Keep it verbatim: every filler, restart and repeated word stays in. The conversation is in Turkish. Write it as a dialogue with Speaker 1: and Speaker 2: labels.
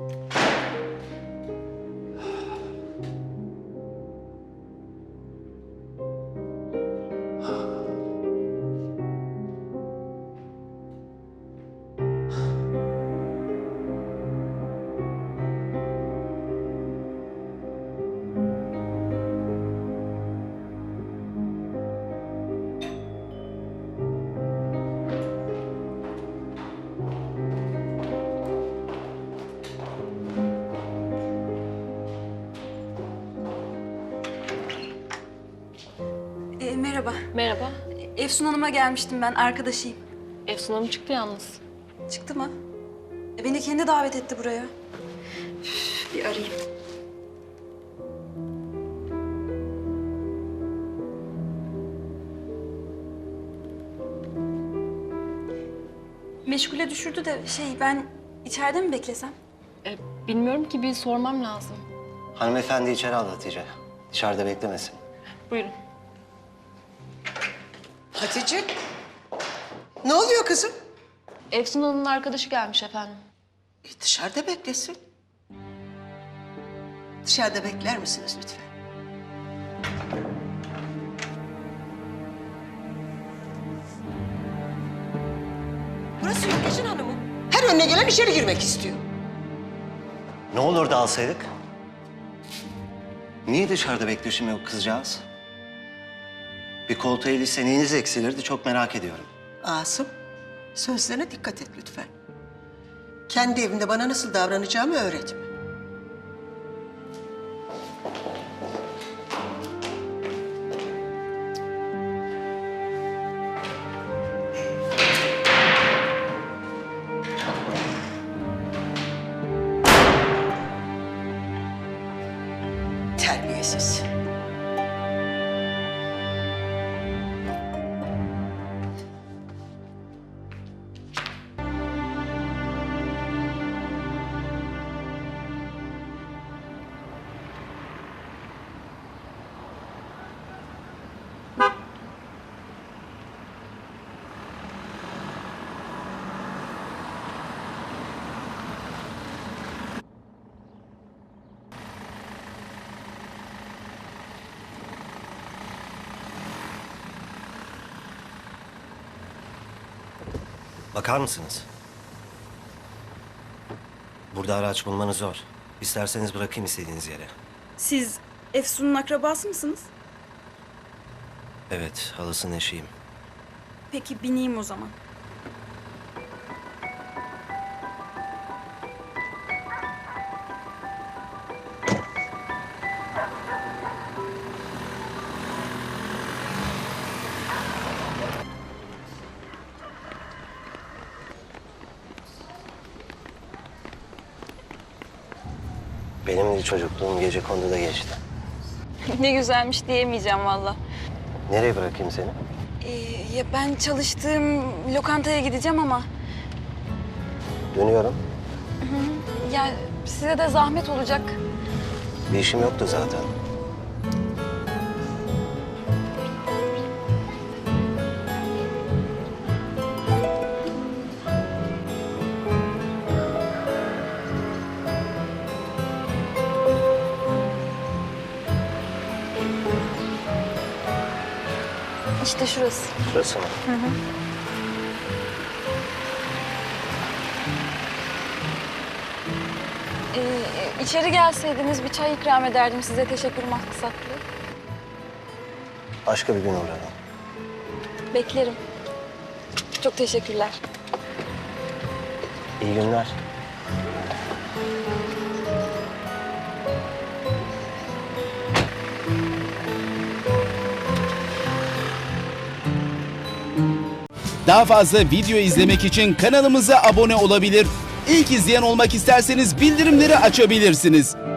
Speaker 1: E, merhaba.
Speaker 2: Merhaba.
Speaker 1: Efsun Hanım'a gelmiştim ben, arkadaşıyım.
Speaker 2: Efsun Hanım çıktı yalnız.
Speaker 1: Çıktı mı? E, beni kendi davet etti buraya. Üf, bir arayayım. Meşgule düşürdü de şey, ben içeride mi beklesem?
Speaker 2: E, bilmiyorum ki, bir sormam lazım.
Speaker 3: Hanımefendi içeri al Hatice. Dışarıda beklemesin.
Speaker 2: Buyurun.
Speaker 4: Hatice, ne oluyor kızım?
Speaker 2: Efsun Hanım'ın arkadaşı gelmiş efendim.
Speaker 4: E, dışarıda beklesin. Dışarıda bekler misiniz lütfen? Burası Yörgecin Hanım'ı. Her önüne gelen içeri girmek istiyor.
Speaker 3: Ne olur da alsaydık? Niye dışarıda bekliyor şimdi o kızcağız? Bir koltuğa ilişse neyiniz eksilirdi çok merak ediyorum.
Speaker 4: Asım, sözlerine dikkat et lütfen. Kendi evimde bana nasıl davranacağımı öğretme. Terbiyesiz.
Speaker 3: Bakar mısınız? Burada araç bulmanız zor. İsterseniz bırakayım istediğiniz yere.
Speaker 1: Siz Efsun'un akrabası mısınız?
Speaker 3: Evet, halasının eşiyim.
Speaker 1: Peki bineyim o zaman.
Speaker 3: Benim de çocukluğum Gecekondu'da geçti.
Speaker 1: Ne güzelmiş diyemeyeceğim valla.
Speaker 3: Nereye bırakayım seni?
Speaker 1: Ee, ya ben çalıştığım lokantaya gideceğim ama...
Speaker 3: Dönüyorum.
Speaker 1: Ya size de zahmet olacak.
Speaker 3: Bir işim yoktu zaten.
Speaker 1: İşte şurası.
Speaker 3: Şurası mı?
Speaker 1: Hı hı. Ee, içeri gelseydiniz bir çay ikram ederdim size, teşekkür maksatlı.
Speaker 3: Başka bir gün uğrarım.
Speaker 1: Beklerim. Çok teşekkürler.
Speaker 3: İyi günler.
Speaker 5: Daha fazla video izlemek için kanalımıza abone olabilir. İlk izleyen olmak isterseniz bildirimleri açabilirsiniz.